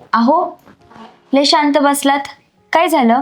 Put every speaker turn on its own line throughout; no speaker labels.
अहो, लय शांत बसलात, काय झालं?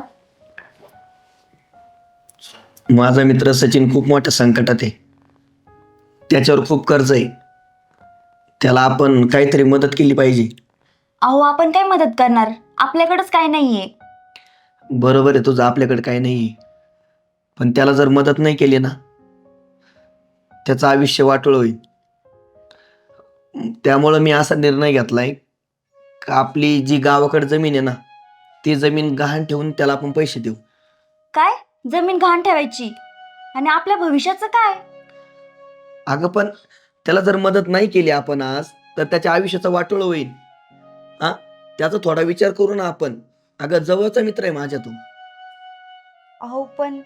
माझा मित्र सचिन खूप मोठ्या संकटात आहे. त्याच्यावर खूप कर्ज आहे. त्याला आपण काहीतरी मदत केली पाहिजे.
अहो, आपण काय मदत करणार? आपल्याकडंच काय नाहीये.
बरोबर आहे तुझं, आपल्याकडे काही नाही. पण त्याला जर मदत नाही केली ना, त्याचं आयुष्य वाटोळ होईल. त्यामुळं मी असा निर्णय घेतलाय का आपली जी गावाकडे जमीन आहे ना, ती जमीन गहाण ठेवून त्याला आपण पैसे देऊ.
काय? जमीन गहाण ठेवायची? आणि आपल्या भविष्याचं काय?
अगं पण त्याला जर मदत नाही केली आपण आज, तर त्याच्या आयुष्याचा वाटोळ होईल. हा, त्याचा थोडा विचार करू ना आपण. अगं जवळचा मित्र आहे माझ्या तू.
अहो पण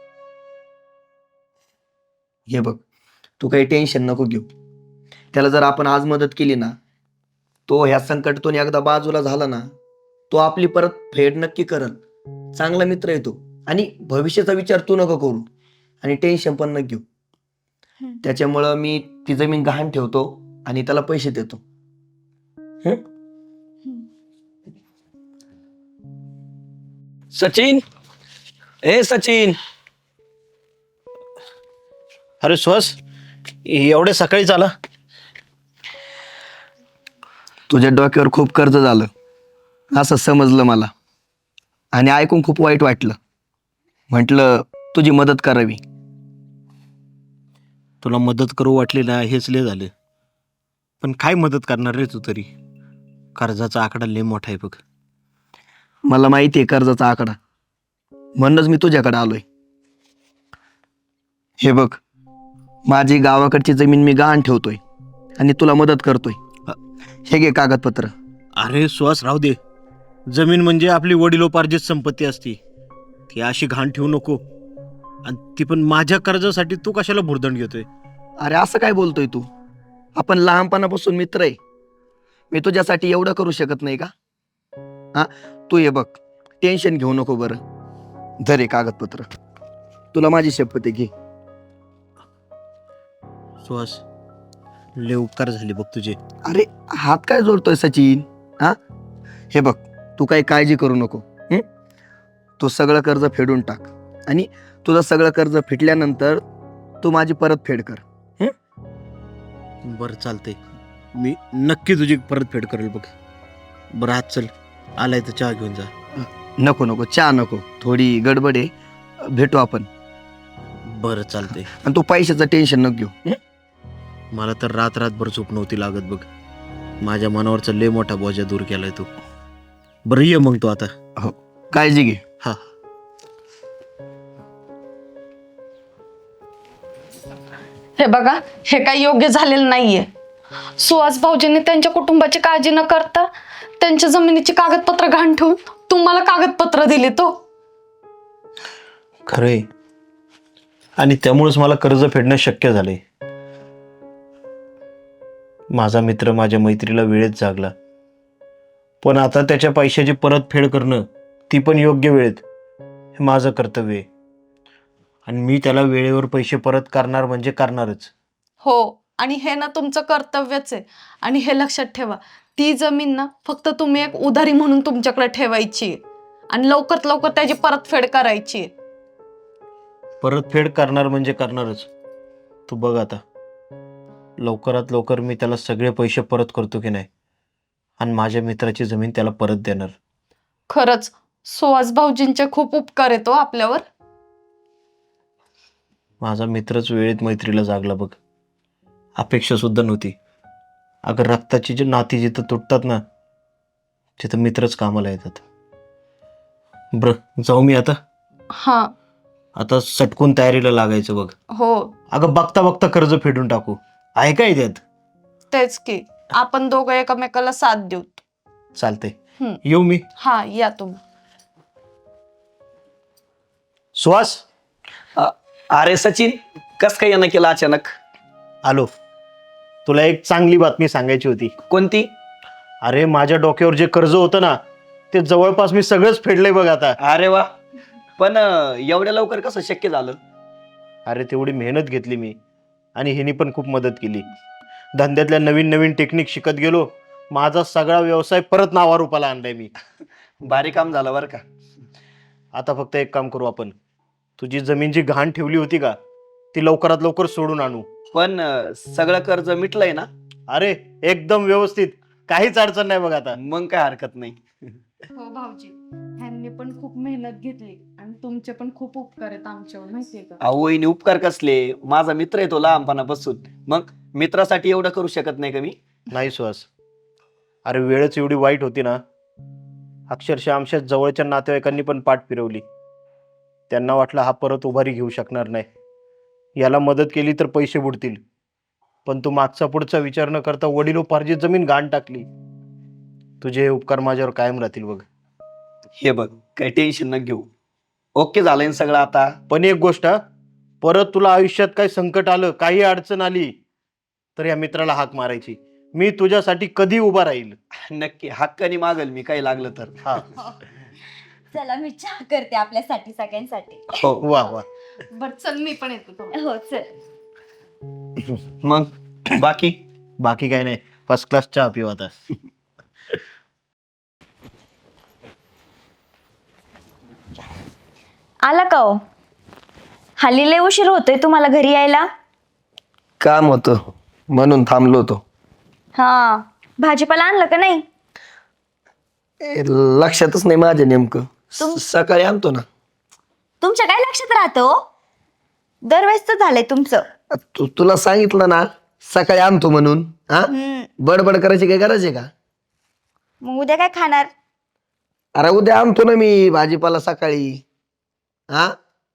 हे बघ, तू काही टेन्शन नको घेऊ. त्याला जर आपण आज मदत केली ना, तो ह्या संकटातून एकदा बाजूला झाला ना, तो आपली परत फेड नक्की करल. चांगला मित्र आहे तो. आणि भविष्याचा विचार तू नको करू आणि टेन्शन पण नको घेऊ. त्याच्यामुळं मी ती जमीन गहाण ठेवतो आणि त्याला पैसे देतो. हं? सचिन, ए सचिन,
अरे सुहास, एवढे सकाळी आला?
तुझ्या डोक्यावर खूप कर्ज झालं असं समजलं मला आणि ऐकून खूप वाईट वाटलं. म्हटलं तुझी मदत करावी.
तुला मदत करू वाटली ना, हेच लय झालं. पण काय मदत करणार रे तू तरी? कर्जाचा आकडा लय मोठा आहे बघ.
मला माहिती आहे कर्जाचा आकडा, म्हणूनच मी तुझ्याकडे आलोय. हे बघ, माझी गावाकडची जमीन मी गहाण ठेवतोय आणि तुला मदत करतोय. हे घे कागदपत्र.
अरे सुहास, राहू दे. जमीन म्हणजे आपली वडिलोपार्जित संपत्ती असती. ती अशी घाण ठेवू नको. आणि ती पण माझ्या कर्जासाठी तू कशाला भुर्दंड घेतोय?
अरे असं काय बोलतोय तू? आपण लहानपणापासून मित्र आहे. मी तुझ्यासाठी एवढं करू शकत नाही का? हा, तू ये बघ, टेन्शन घेऊ नको बरं. धर हे कागदपत्र, तुला माझी शपथ आहे, घे.
सुहास, लय उपकार झाले बघ तुझे.
अरे हात काय जोडतोय सचिन? हा, हे बघ, तू काही काळजी करू नको. तू सगळं कर्ज फेडून टाक आणि तुझं सगळं कर्ज फिटल्यानंतर तू माझी परतफेड कर.
बरं चालतंय, मी नक्की तुझी परतफेड करेल बघ. बरं आज चल, आलाय तर चहा घेऊन जा.
नको नको, चहा नको, थोडी गडबड आहे, भेटू आपण.
बरं चालतंय.
आणि तू पैशाचं टेन्शन नको घेऊ.
मला तर रात्रभर झोप नव्हती लागत बघ. माझ्या मनावरचा लय मोठा बोजा दूर केलाय तू. बरं ये मग तू आता.
हो, काळजी घे.
हा.
हे बघा, हे काही योग्य झालेलं नाहीये. सुहास भाऊजींनी त्यांच्या कुटुंबाची काळजी न करता त्यांच्या जमिनीची कागदपत्र घाण ठेवून तुम्हाला कागदपत्र दिली तो.
खरंय, आणि त्यामुळेच मला कर्ज फेडणं शक्य झालंय. माझा मित्र माझ्या मैत्रीला वेळेत जागला, पण आता त्याच्या पैशाची परतफेड करणं, ती पण योग्य वेळेत, हे माझं कर्तव्य आहे. आणि मी त्याला वेळेवर पैसे परत करणार म्हणजे करणारच.
हो, आणि हे ना तुमचं कर्तव्यच आहे. आणि हे लक्षात ठेवा, ती जमीन ना फक्त तुम्ही एक उधारी म्हणून तुमच्याकडे ठेवायची आहे. आणि लवकरात लवकर त्याची परतफेड करायची आहे.
परतफेड करणार म्हणजे करणारच. तू बघ आता, लवकरात लवकर मी त्याला सगळे पैसे परत करतो की नाही, आणि माझ्या मित्राची जमीन त्याला परत देणार.
खरंच सुहास भाऊजींचे खूप उपकार येतो आपल्यावर.
माझा मित्रच वेळेत मैत्रीला जागला बघ. अपेक्षा सुद्धा नव्हती. अगं रक्ताची जी नाती जिथं तुटतात ना, तिथं मित्रच कामाला येतात. बरं जाऊ मी आता.
हा.
आता सटकून तयारीला लागायचं बघ.
हो,
अगं बघता बघता कर्ज फेडून टाकू, आहे काय त्यात?
तेच की, आपण दोघं एकमेकाला साथ देऊ.
चालतंय,
हम्म.
येऊ मी.
हा, या तुम्ही.
सुहास,
अरे सचिन, कस काय यानं केलं अचानक?
आलो. तुला एक चांगली बातमी सांगायची होती.
कोणती?
अरे माझ्या डोक्यावर जे कर्ज होतं ना, ते जवळपास मी सगळंच फेडलंय बघ आता.
अरे वा, पण एवढ्या लवकर कसं शक्य झालं?
अरे तेवढी मेहनत घेतली मी, आणि हिने पण खूप मदत केली. धंद्यातल्या नवीन नवीन टेक्निक शिकत गेलो माझा सगळा व्यवसाय परत नावारूपाला आणलाय मी.
भारी काम झालं बरं का.
आता फक्त एक काम करू आपण, तुझी जमीन जी घाण ठेवली होती का ती लवकरात लवकर सोडून आणू.
पण सगळं कर्ज मिटलंय ना?
अरे एकदम व्यवस्थित, काहीच अडचण नाही बघ आता.
मग काय हरकत नाही.
हो भाऊजी, ह्यांनी पण खूप मेहनत घेतली आणि तुमचे पण खूप उपकार आहेत आमच्यावर, माहितीये का?
अहो वहिनी, उपकार कसले? माझा मित्र आहे तो लहानपणापासून. मग मित्रासाठी एवढं करू शकत नाही का मी?
नाही सुहास, अरे वेळच एवढी वाईट होती ना, अक्षरशः आमच्या जवळच्या नातेवाईकांनी पण पाठ फिरवली. त्यांना वाटलं हा परत उभारी घेऊ शकणार नाही, याला मदत केली तर पैसे बुडतील. पण तू मागचा पुढचा विचार न करता वडिलोपार्जित जमीन घाण टाकली. तुझे हे उपकार माझ्यावर कायम राहतील बघ.
हे बघ, काही टेन्शन न घेऊ. ओके झालंय ना सगळं आता?
पण एक गोष्ट हा, परत तुला आयुष्यात काही संकट आलं, काही अडचण आली तर या मित्राला हाक मारायची. मी तुझ्यासाठी कधी उभा राहील.
नक्की हक्काने मागल मी, काही लागलं तर.
हा.
चला मी चहा करते आपल्यासाठी सगळ्यांसाठी.
हो.
वा वा.
बर चल, मी पण येतो थोडं.
हो चल.
मग बाकी?
बाकी काही नाही, फर्स्ट क्लास चहा पिऊ आता.
आला का हो? हल्ली लय उशीर होतोय तुम्हाला घरी यायला.
काम होतं म्हणून थांबलो होतो.
हा, भाजीपाला आणलं का नाही?
लक्षातच नाही माझ्या नेमकं. सकाळी आणतो ना.
तुमच्या काय लक्षात राहतं हो? दरवेळेस तर झालंय तुमचं.
तुला सांगितलं ना सकाळी आणतो म्हणून. हा, बडबड करायची काय गरज आहे का?
मग उद्या काय खाणार?
अरे उद्या आणतो ना मी भाजीपाला सकाळी. हा,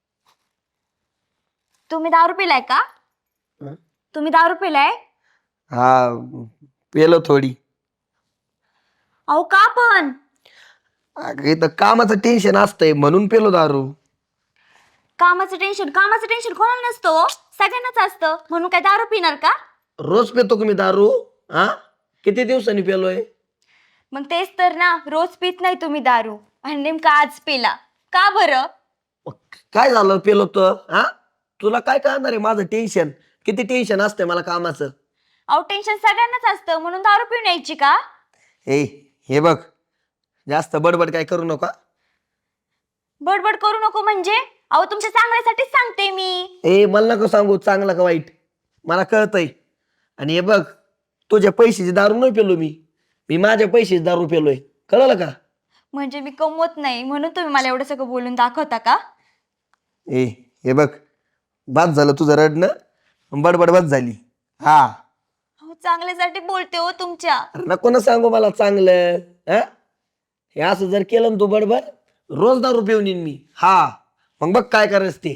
तुम्ही दारू पिलाय का? तुम्ही दारू पिलाय?
हा, पेलो थोडी.
अहो का पण?
अगं इथं कामाचं टेन्शन असतंय म्हणून पेलो दारू.
कामाचं टेन्शन कोणाला नसतं हो? सगळ्यांनाच असतं, म्हणून काय दारू पिणार का?
रोज पेतो का मी दारू? हा, किती दिवसांनी पेलोय?
मग तेच तर ना, रोज पित नाही तुम्ही दारू आणि नेमका आज पिला का बरं?
काय झालं पेलो तर? हा, तुला काय कळणार आहे माझं टेन्शन? किती टेन्शन असतंय मला कामाचं.
अहो टेन्शन सगळ्यांनाच असतं, म्हणून दारू पिऊन यायची का?
हे बघ, जास्त बडबड काय करू नका.
बडबड करू नको म्हणजे? अहो तुमच्या चांगल्यासाठीच सांगते मी.
मला नको सांगू चांगलं का वाईट, मला कळतंय. आणि हे बघ, तुझ्या पैशाची दारू नाही पेलो मी, माझ्या पैशाची दारू पेलोय. कळलं का?
म्हणजे मी कमवत नाही म्हणून तुम्ही मला एवढं सगळं बोलून दाखवता का?
हे बघ, बाद झालं तुझं रडणं, बडबड बाद झाली. हा,
अहो चांगल्यासाठी बोलते हो तुमच्या.
अरे नको ना सांगू मला चांगलं. हा, हे असं जर केलं ना तू बडबड, रोज दारू पिऊन येईन मी. हा, मग बघ काय करायचं ते.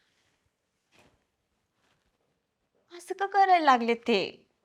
असं का करायला लागले ते?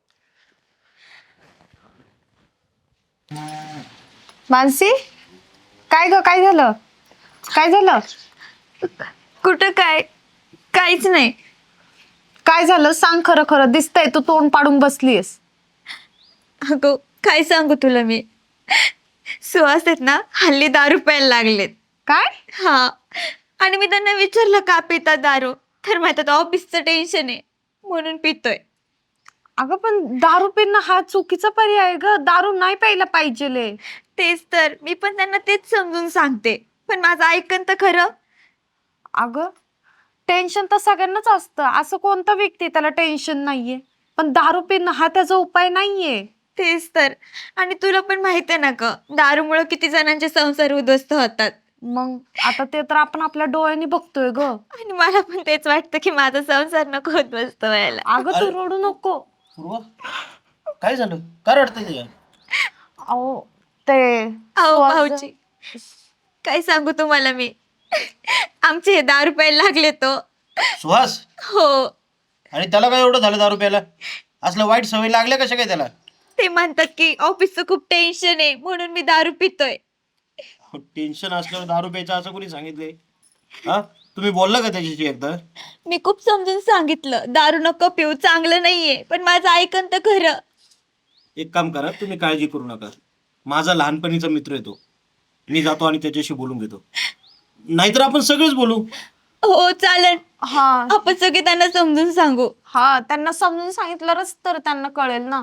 मानसी, काय ग, काय झालं? काय झालं?
कुठं काय? काहीच नाही.
काय झालं सांग, खरं खरं दिसतंय तू तोंड पाडून बसलीयस.
अगं काय सांगू तुला मी, सुहास आहेत ना हल्ली दारू प्यायला लागलेत.
काय?
हा, आणि मी त्यांना विचारलं का पिता दारू, तर म्हणतात ऑफिसचं टेन्शन आहे म्हणून पितोय.
अगं पण दारू पिणं हा चुकीचा पर्याय आहे ग, दारू नाही प्यायला पाहिजे.
तेच तर, मी पण त्यांना तेच समजून सांगते, पण माझं ऐकन तर खरं.
अगं टेन्शन तर सगळ्यांनाच असतं, असं कोणता व्यक्ती त्याला टेन्शन नाहीये, पण दारू पिणं हा त्याचा उपाय नाहीये.
तेच तर, आणि तुला पण माहिती आहे ना ग, दारूमुळे किती जणांचे संसार उद्ध्वस्त होतात.
मग आता ते तर आपण आपल्या डोळ्यांनी बघतोय ग.
आणि मला पण तेच वाटतं की माझा संसार नको उद्ध्वस्त व्हायला.
अगं तू रडू नको.
काय झालं, काय रडतंय तुझ्या?
अहो ते
अहो भाऊजी, काय सांगू तुम्हाला मी, आमचे हे दारू प्यायला लागले तो.
सुहास,
हो,
आणि त्याला काय एवढं झालं दारू प्यायला? असलं वाईट सवय लागल्या कशा काय त्याला?
ते म्हणतात की ऑफिसचं खूप टेन्शन आहे म्हणून मी दारू पितोय.
टेन्शन असल्यावर दारू प्यायचं असं कोणी सांगितलंय? हा, तुम्ही बोलला का त्याच्याशी एकदा?
मी खूप समजून सांगितलं दारू नको पिऊ, चांगलं नाहीये, पण माझं ऐकन तर खरं.
एक काम करा, तुम्ही काळजी करू नका, माझा लहानपणीचा मित्र आहे तो, मी जातो आणि त्याच्याशी बोलून घेतो, नाहीतर आपण सगळेच बोलू.
हो चालेल,
हा
आपण सगळे त्यांना समजून सांगू.
हा, त्यांना समजून सांगितलंच तर त्यांना कळेल ना.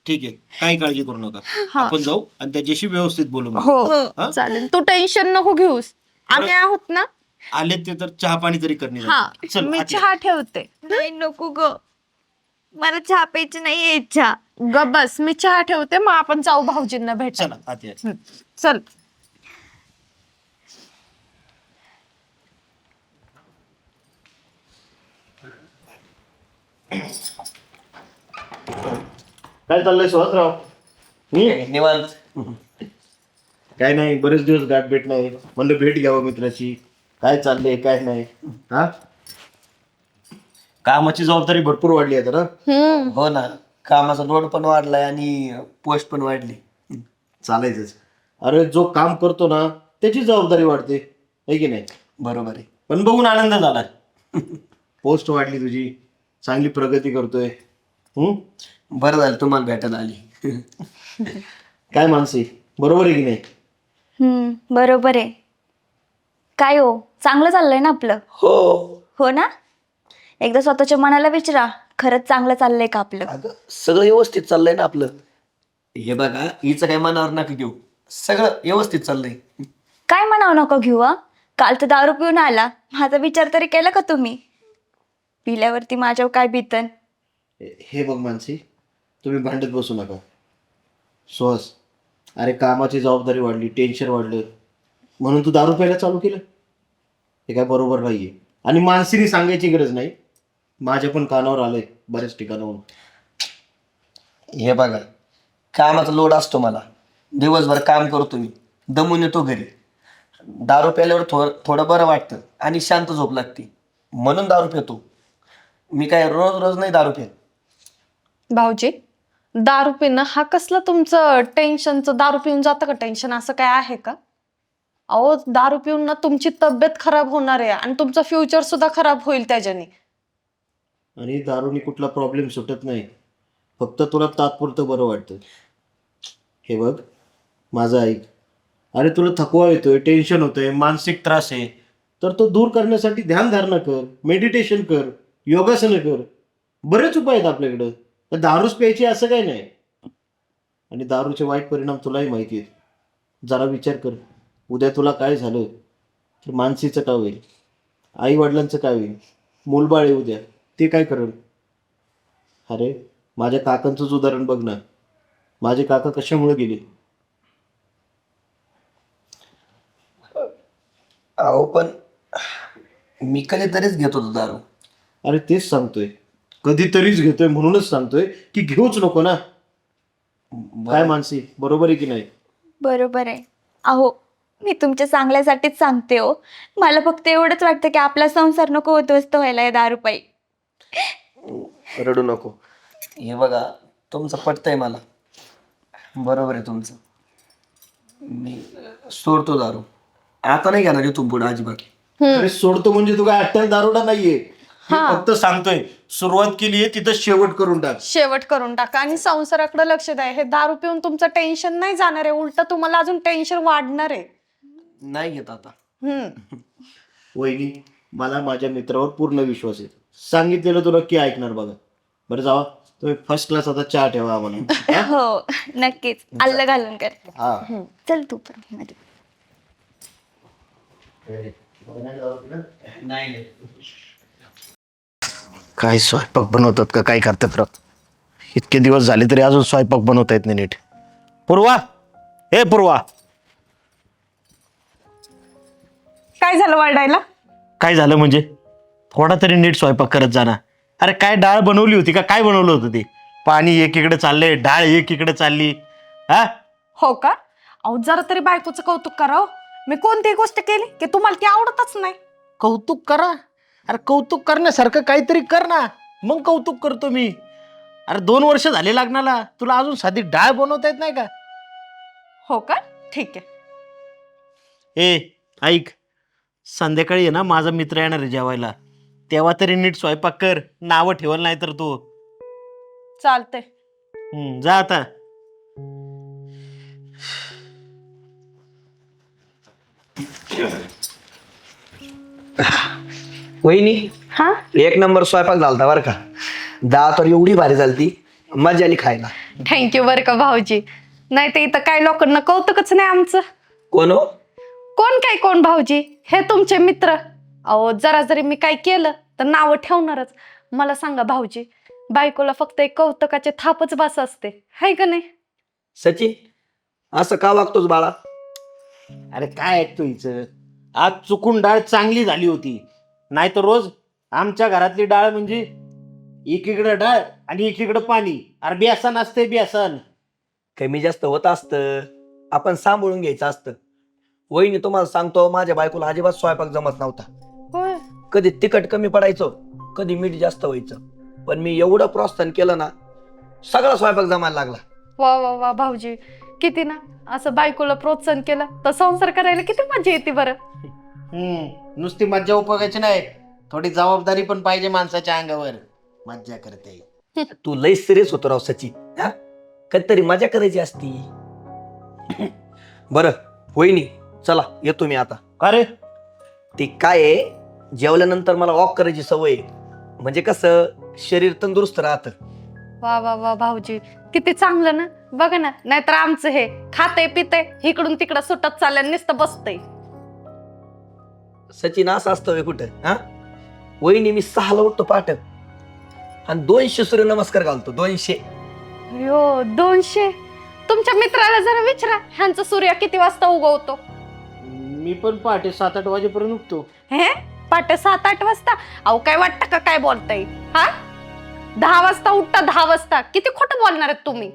ठीक आहे, काही काळजी करू नका.
हा.
आपण जाऊ आणि त्याच्याशी व्यवस्थित बोलू मग.
हो
हा?
चालेल, तू टेन्शन नको घेऊस, आम्ही आहोत ना.
आले ते तर चहा पाणी तरी करणे.
हा,
चल
मी
आत ये.
चहा ठेवते.
नाही नको ग, मला चहा प्यायची नाही इच्छा.
ग बस, मी चहा ठेवते, मग आपण जाऊ भाऊजींना भेटायला.
चला आत या.
चल.
काय चाललंय सुहासराव?
निवांत.
काय नाही, बरेच दिवस गाठ भेट नाही, म्हणलं भेट घ्यावं मित्राची. काय चाललंय काय नाही. हा, कामाची जबाबदारी भरपूर वाढली आहे ना.
हो ना, कामाचा लोड पण वाढलाय आणि पोस्ट पण वाढली.
चालायचंच. अरे जो काम करतो ना त्याची जबाबदारी वाढते, है की नाही?
बरोबर आहे.
पण बघून आनंद झाला. पोस्ट वाढली तुझी, चांगली प्रगती करतोय.
बरं झालं तुम्हाला भेटायला आली.
काय मानसी, बरोबर आहे की नाही?
बरोबर आहे. काय हो, चांगलं चाललंय ना आपलं?
हो.
हो ना. एकदा स्वतःच्या मनाला विचारा, खरंच चांगलं चाललंय का आपलं?
अगं सगळं व्यवस्थित चाललंय ना आपलं. हे बघा, हिचं काय मनावर नका घेऊ, सगळं व्यवस्थित चाललंय.
काय म्हणावं नको घेऊ. काल तर दारू पिऊन आला, माझा विचार तरी केला का तुम्ही? पिल्यावरती माझ्यावर काय बितन?
हे बघ मानसी, तुम्ही भांडत बसू नका. सुहास, अरे कामाची जबाबदारी वाढली, टेन्शन वाढलं, म्हणून तू दारू प्यायला चालू केलं? हे काय बरोबर नाहीये. आणि मानसीने सांगायची गरज नाही, माझ्या पण कानावर आलंय बऱ्याच ठिकाणाहून.
हे बघा, कामाचा लोड असतो मला, दिवसभर काम करतो मी, दमून येतो घरी. दारू प्यायल्यावर थोडं बरं वाटतं आणि शांत झोप लागते, म्हणून दारू पितो. मी काय रोज रोज नाही दारू पित.
भाऊजी, दारू पिणं हा कसलं तुमचं टेन्शनचं? दारू पिऊन जातं का टेन्शन? असं काय आहे का? अहो, दारू पिऊन ना तुमची तब्येत खराब होणार आहे आणि तुमचं फ्युचर सुद्धा खराब होईल त्याच्याने.
आणि दारूनी कुठला प्रॉब्लेम सुटत नाही, फक्त तुला तात्पुरतं बरं वाटतं. हे बघ, माझं ऐक. अरे तुला थकवा येतोय, टेन्शन होतंय, मानसिक त्रास आहे, तर तो दूर करण्यासाठी ध्यानधारणा कर, मेडिटेशन कर, योगासनं कर. बरेच उपाय आहेत आपल्याकडं. तर दारूच प्यायची असं काही नाही. आणि दारूचे वाईट परिणाम तुलाही माहिती आहेत. जरा विचार कर, उद्या तुला काय झालं तर मानसीचं काय होईल, आई वडिलांचं काय होईल, मूलबाळ आहे उद्या, ते काय करेल? अरे माझ्या काकांचंच उदाहरण बघ ना, माझे काका कशामुळे गेले?
अहो पण मी कधीतरीच घेत होतो दारू.
अरे तेच सांगतोय, कधीतरीच घेतोय म्हणूनच सांगतोय की घेऊच नको ना. काय मानसी, बरोबर आहे की नाही?
बरोबर आहे. अहो, मी तुमच्या चांगल्यासाठीच सांगते हो. मला फक्त एवढंच वाटतं की आपला संसार नको उद्ध्वस्त व्हायला या दारूपायी.
रडू नको. हे बघा, तुमचं पटतंय मला, बरोबर आहे तुमचं. मी सोडतो दारू, आता नाही घेणार इथून पुढे अजिबात.
अरे सोडतो म्हणजे तू काय अट्ट्याल दारोडा नाहीये. मी फक्त सांगतोय, सुरुवात केली आहे तिथं शेवट करून टाक.
शेवट करून टाका आणि संसाराकडे लक्ष द्या. हे दारू पिऊन तुमचं टेन्शन नाही जाणार आहे, उलट तुम्हाला अजून टेन्शन वाढणार आहे.
नाही घेत आता.
वहिनी, मला माझ्या मित्रावर पूर्ण विश्वास आहे. सांगितलेलं तू नक्की ऐकणार बघा. बरं जावा, तुम्ही फर्स्ट क्लास आता चहा ठेवा आम्हाला.
हो नक्कीच, आल्लं घालून कर.
हा.
चल तू पण मध्ये.
काय स्वयंपाक बनवतात का काय करतात राव? इतके दिवस झाले तरी अजून स्वयंपाक बनवता येत नाही नीट. पूर्वा, हे पूर्वा,
काय झालं वरडायला?
काय झालं म्हणजे? थोडा तरी नीट स्वयंपाक करत जाणार. अरे काय डाळ बनवली होती का? काय बनवलं होतं ते? पाणी एकीकडे चाललंय, डाळ एकीकडे चालली. हा,
हो का? अहो, जरा तरी बायकोचं कौतुक करावं. मी कोणतीही गोष्ट केली की तुम्हाला ती आवडतच नाही.
कौतुक करा. अरे कौतुक करण्यासारखं काहीतरी कर ना, मग कौतुक करतो मी. अरे 2 वर्ष झाले लग्नाला, तुला अजून साधी डाळ बनवता येत नाही का?
हो का? ठीक आहे.
ए ऐक, संध्याकाळी आहे ना माझा मित्र येणार आहे जेवायला, तेव्हा तरी नीट स्वयंपाक कर. नावं ठेवल नाही तर तू.
चालतंय.
जा आता.
वहिनी,
हा,
एक नंबर स्वयंपाक झालता बरं का. डाळ तर एवढी भारी झालती मजा आली खायला.
थँक्यू बरं का भाऊजी. नाही तर इथं काय लोकांना कौतुकच नाही आमचं.
कोण हो?
कोण भाऊजी, हे तुमचे मित्र. अहो जरा जरी मी काय केलं तर नावं ठेवणारच. मला सांगा भाऊजी, बायकोला फक्त एक कौतुकाचे थापच बस असते, हाय का नाही?
सचिन, असं का वागतोस बाळा?
अरे काय ऐकतो हिचं, आज चुकून डाळ चांगली झाली होती, नाही तर रोज आमच्या घरातली डाळ म्हणजे एकीकडे डाळ आणि एकीकडे पाणी. अरे बेसन असते बेसन.
कमी जास्त होत असतं, आपण सांभाळून घ्यायचं असतं. वहिनी तुम्हाला सांगतो, माझ्या बायकोला अजिबात स्वयंपाक जमत नव्हता.
होय.
कधी तिखट कमी पडायचं, कधी मीठ जास्त व्हायचं. पण मी एवढं प्रोत्साहन केलं ना, सगळा स्वयंपाक जमायला लागला.
वा वा वा भाऊजी, किती ना असं बायकोला प्रोत्साहन केलं तर संसार करायला किती मजा येते बरं.
नुसती मज्जा उपयोगाची नाही, थोडी जबाबदारी पण पाहिजे माणसाच्या अंगावर. मज्जा करते.
तू लय सिरियस होतो राव सचिन. हा, कधीतरी मजा करायची असती. बरं वहिनी, चला येतो मी आता.
का रे?
ते काय आहे, जेवल्यानंतर मला वॉक करायची सवय आहे. म्हणजे कसं शरीर तंदुरुस्त राहतं.
वा वा वा भाऊजी, किती चांगलं ना. बघा ना, नाहीतर आमचं हे खाते पिते इकडून तिकडं सुटत चाललं, नुसतं बसतंय.
सचिन असं असतं व्हय कुठं? हा, वहिनी मी 6ला उठतो पाठ आणि 200 सूर्यनमस्कार घालतो. 200.
यो 200. तुमच्या मित्राला जरा विचारा, ह्यांचा सूर्य किती वाजता उगवतो.
मी पण पहाटे 7-8 वाजेपर्यंत उठतो.
हे पाटे 7-8 वाजता? अहो काय वाटतं का काय बोलताय? हा, 10 वाजता उठता, 10 वाजता. किती खोटं बोलणार आहेत तुम्ही.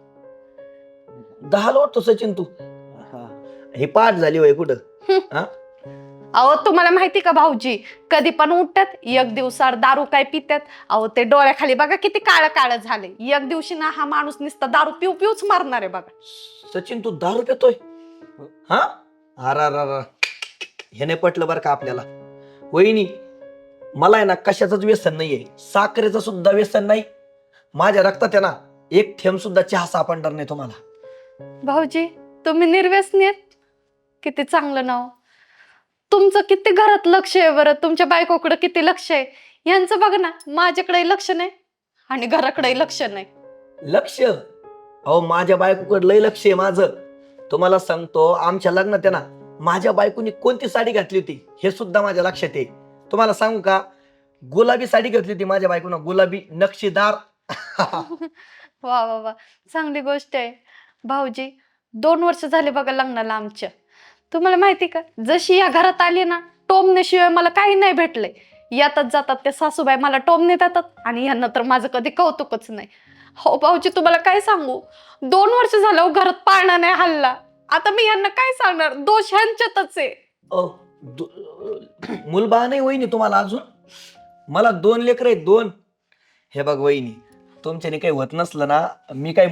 10ला उठतो सचिन तू? हे पाठ झाली वय कुठं? हा,
अहो तुम्हाला माहिती का भाऊजी, कधी पण उठतात, एक दिवसावर दारू काय पितात. अहो ते डोळ्याखाली बघा किती काळं काळं झाले. एक दिवशी ना हा माणूस नुसता दारू पिऊच मारणार आहे बघा.
सचिन तू दारू पितोय? हा, अरा हे नाही पटलं बरं का आपल्याला. वहिनी, मला आहे ना कशाचंच व्यसन नाहीये, साखरेचं सुद्धा व्यसन नाही. माझ्या रक्तात आहे ना एक थेंब सुद्धा चहा सापडणार नाही तुम्हाला.
भाऊजी तुम्ही निर्व्यसनी आहेत, किती चांगलं नाव. तुमचं किती घरात लक्ष आहे बरं, तुमच्या बायकोकडे किती लक्ष आहे. यांचं बघ ना, माझ्याकडे लक्ष नाही आणि घराकडे लक्ष नाही.
लक्ष? अहो माझ्या बायकोकडे लय लक्ष आहे माझं. तुम्हाला सांगतो, आमच्या लग्नात आहे ना माझ्या बायकोनी कोणती साडी घातली होती हे सुद्धा माझ्या लक्षात आहे. तुम्हाला सांगू का, गुलाबी साडी घातली होती माझ्या बायकोनं, गुलाबी नक्षीदार.
वा वा वा, चांगली गोष्ट आहे. भाऊजी 2 वर्ष झाले बघा लग्नाला आमच्या. तुम्हाला माहिती का, जशी या घरात आली ना, टोमण्याशिवाय मला काही नाही भेटलंय. येतात जातात ते सासूबाई मला टोमणे देतात आणि यांना तर माझं कधी कौतुकच नाही. हो भाऊजी तुम्हाला काय सांगू, 2 वर्ष झालं घरात पाळणा नाही हल्ला. आता मी यांना काय सांगणार, दोष ह्यांच्यातच आहे.
मुलबा नाही वहिनी तुम्हाला अजून? मला 2 लेकर आहेत, 2. हे बघ वहिनी, तुमच्याने काही होत नसलं ना, मी काही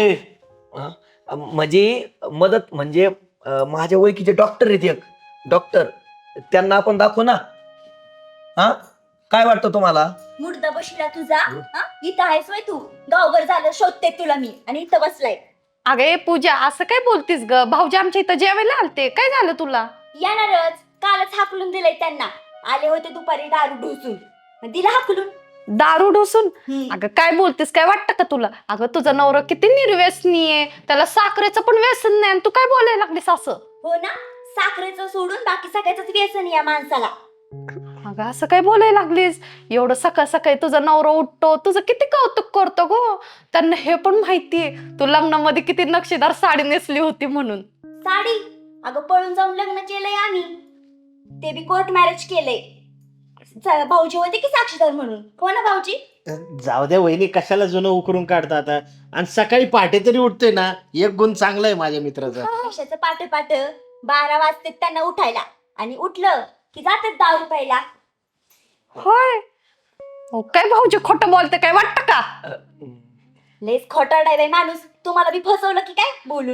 मदत म्हणजे माझ्या ओळखीचे डॉक्टर आहेत, एक डॉक्टर, त्यांना आपण दाखवू ना. हा, काय वाटतं तुम्हाला?
मुर्दा बसला तुझा. हा? इथं आहेस वय तू? गावभर झालं शोधते तुला मी आणि इथं बसलाय.
अगे पूजा, असं काय बोलतीस ग? भाऊजी आमच्या इथं जेवायला आलते, काय झालं तुला?
येणारच, कालच हाकलून दिलंय त्यांना. आले होते दुपारी दारू ढोसून, मग दिला हाकलून.
दारू ढोसून? अगं काय बोलतेस, काय वाटतं का तुला? अगं तुझा नवरा किती निर्व्यसनी आहे, त्याला साखरेचं पण व्यसन नाही आणि तू काय बोलायला लागलीस असं?
हो ना, साखरेचं सोडून बाकी सगळ्याच व्यसन या माणसाला.
अगं असं काय बोलायला लागलीस? एवढं सकाळ सकाळी तुझा नवरा उठतो, तुझं किती कौतुक करतो गो. त्यांना हे पण माहितीये तू लग्नामध्ये किती नक्षीदार साडी नेसली होती म्हणून.
साडी? अगं पळून जाऊन लग्न केलंय आम्ही, ते बी कोर्ट मॅरेज केलंय. भाऊजी होते की साक्षीदार म्हणून. हो ना भाऊजी?
जाऊ द्या वहिनी, कशाला जुनं उकरून काढता आता. आणि सकाळी पहाटे तरी उठतोय ना, एक गुण चांगला आहे माझ्या मित्राचा.
कशाचं पाट 12 वाजते त्यांना उठायला आणि उठलं की जातात दारू प्यायला.
होय? हो काय भाऊजी खोटं बोलते, काय वाटतं का?
लेस खोटारडा आहे बाई माणूस. तुम्हाला बी फसवलं की काय बोलून?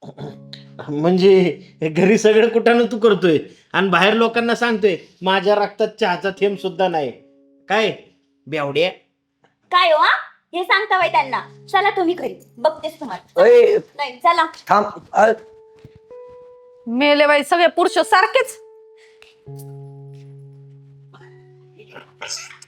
म्हणजे घरी सगळं कुठानं तू करतोय आणि बाहेर लोकांना सांगतोय माझ्या रक्तात चहाचा थेंब सुद्धा नाही. काय बेवड्या?
काय हो? हे सांगता बाई त्यांना. चला तुम्ही घरी, बघतेस तुम्हाला.
अय,
नाही चला.
थांब.
मेले बाई सगळे पुरुष सारखेच.